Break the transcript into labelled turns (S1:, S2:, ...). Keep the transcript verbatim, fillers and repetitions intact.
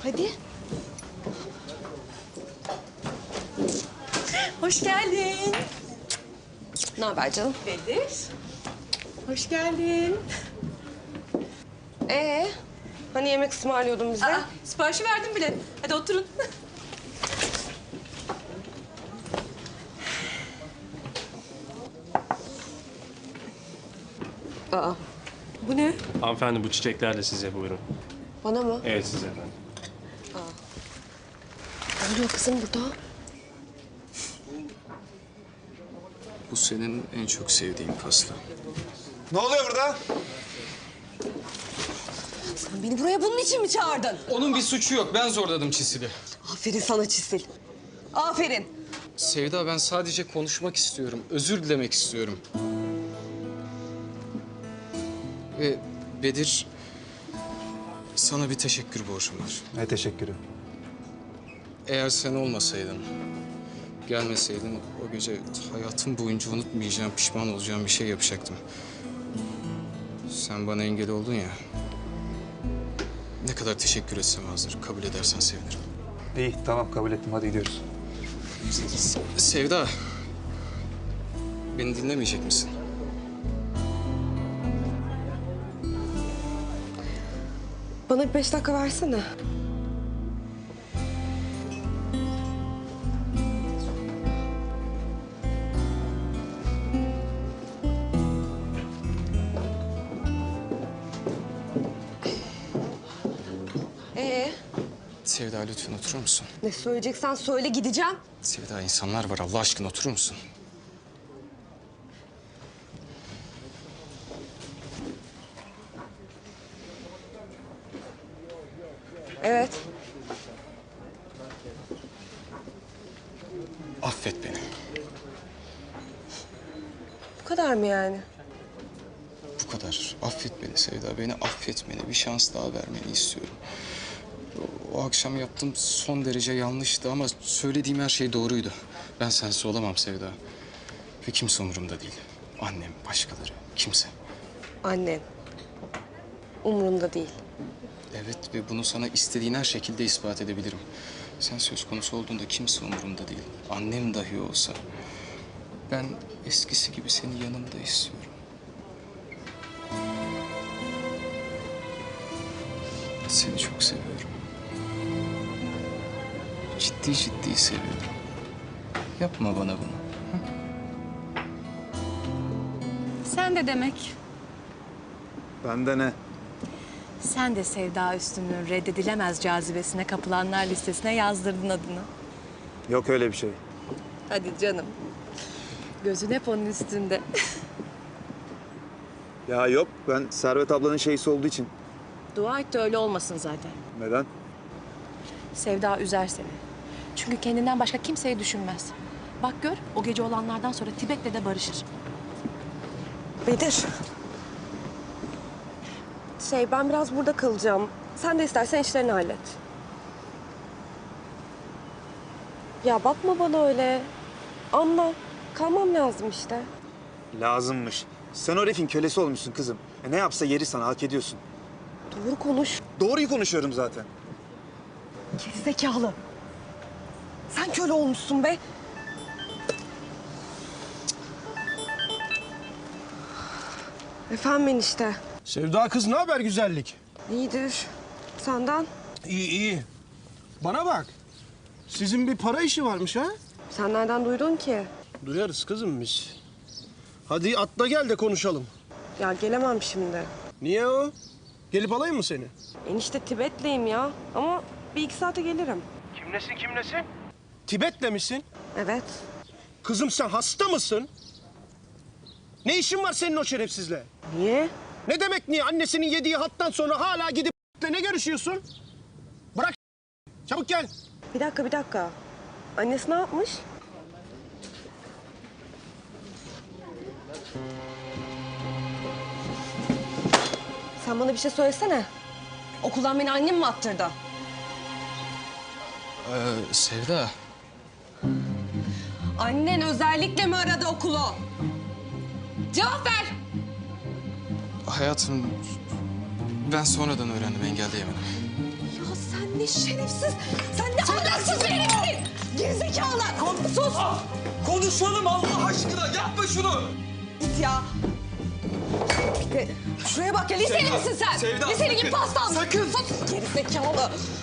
S1: Hadi. Hoş geldin. Ne haber canım?
S2: Bedir. Hoş geldin.
S1: Ee, hani yemek ısmarlıyordun bize?
S2: Aa, siparişi verdim bile. Hadi oturun.
S1: Aa, bu ne?
S3: Hanımefendi bu çiçekler de size buyurun.
S1: Bana mı?
S3: Evet size efendim.
S1: Ne oluyor kızım burada?
S4: Bu senin en çok sevdiğin pasta.
S5: Ne oluyor burada?
S1: Sen beni buraya bunun için mi çağırdın?
S4: Onun bir suçu yok. Ben zorladım Çisil'i.
S1: Aferin sana Çisil. Aferin.
S4: Sevda, ben sadece konuşmak istiyorum. Özür dilemek istiyorum. Ve Bedir, sana bir teşekkür borcum var.
S5: Ne teşekkürü.
S4: Eğer sen olmasaydın, gelmeseydin o gece hayatım boyunca unutmayacağım, pişman olacağım bir şey yapacaktım. Sen bana engel oldun ya. Ne kadar teşekkür etsem azdır. Kabul edersen sevinirim.
S5: İyi tamam kabul ettim hadi gidiyoruz.
S4: Sevda, beni dinlemeyecek misin?
S1: Bana bir beş dakika versene. Ee,
S4: Sevda, lütfen oturur musun?
S1: ne söyleyeceksen söyle gideceğim.
S4: Sevda, insanlar var. Allah aşkına oturur musun?
S1: Evet.
S4: Affet beni.
S1: Bu kadar mı yani?
S4: Bu kadar. Affet beni Sevda. Beni affetmeni, bir şans daha vermeni istiyorum. O, o akşam yaptığım son derece yanlıştı ama söylediğim her şey doğruydu. Ben sensiz olamam Sevda. Ve kimse umurumda değil. Annem, başkaları, kimse.
S1: Annen. Umurumda değil.
S4: Evet ve bunu sana istediğin her şekilde ispat edebilirim. Sen söz konusu olduğunda kimse umurumda değil. Annem dahi olsa. Ben eskisi gibi seni yanımda istiyorum. Seni çok seviyorum. Ciddi ciddi seviyorum. Yapma bana bunu.
S2: Sen de demek.
S5: Bende ne?
S2: Sen de Sevda Üstün'ün reddedilemez cazibesine kapılanlar listesine yazdırdın adını.
S5: Yok öyle bir şey.
S1: Hadi canım. Gözün hep onun üstünde.
S5: Ya yok ben Servet ablanın şeysi olduğu için.
S2: Dua et de öyle olmasın zaten.
S5: Neden?
S2: Sevda üzer seni. Çünkü kendinden başka kimseyi düşünmez. Bak gör, o gece olanlardan sonra Tibet'le de barışır.
S1: Bedir. Şey, ben biraz burada kalacağım. Sen de istersen işlerini hallet. Ya bakma bana öyle. Anla. Kalmam lazım işte.
S5: Lazımmış. Sen o herifin kölesi olmuşsun kızım. E ne yapsa yeri sana hak ediyorsun.
S1: Doğru konuş.
S5: Doğruyu konuşuyorum zaten.
S1: Gerizekalı. Sen köle olmuşsun be. Efendim enişte.
S6: Sevda kız ne haber güzellik?
S1: İyidir. Senden?
S6: İyi iyi. Bana bak. Sizin bir para işi varmış ha?
S1: Sen nereden duydun ki?
S6: Duyarız kızım biz. Hadi atla gel de konuşalım.
S1: Ya gelemem şimdi.
S6: Niye o? Gelip alayım mı seni?
S1: Enişte Tibetliyim ya. Ama bir iki saate gelirim.
S6: Kimlesin kimlesin? Tibet'le misin?
S1: Evet.
S6: Kızım sen hasta mısın? Ne işin var senin o şerefsizle?
S1: Niye?
S6: Ne demek niye? Annesinin yediği hattan sonra hala gidip ne görüşüyorsun? Bırak çabuk gel.
S1: Bir dakika, bir dakika. Annesi ne yapmış? Sen bana bir şey söylesene. Okuldan beni annem mi attırdı?
S4: Ee, Sevda,
S1: Annen özellikle mi aradı okulu? Cevap ver!
S4: hayatım ben sonradan öğrendim, engelleyemedim.
S1: Ya sen
S7: ne şerefsiz. Sen ne ahlaksız bir herifsin. Gerizekalı. Sus.
S8: Konuşalım Allah aşkına, yapma şunu.
S7: Git ya. Bir de şuraya bak ya. Liseli
S8: Sevda,
S7: misin sen?
S8: Sevda,
S7: Liseli gibi
S8: sakın,
S7: pastan.
S8: sakın.
S7: Sus. Gerizekalı.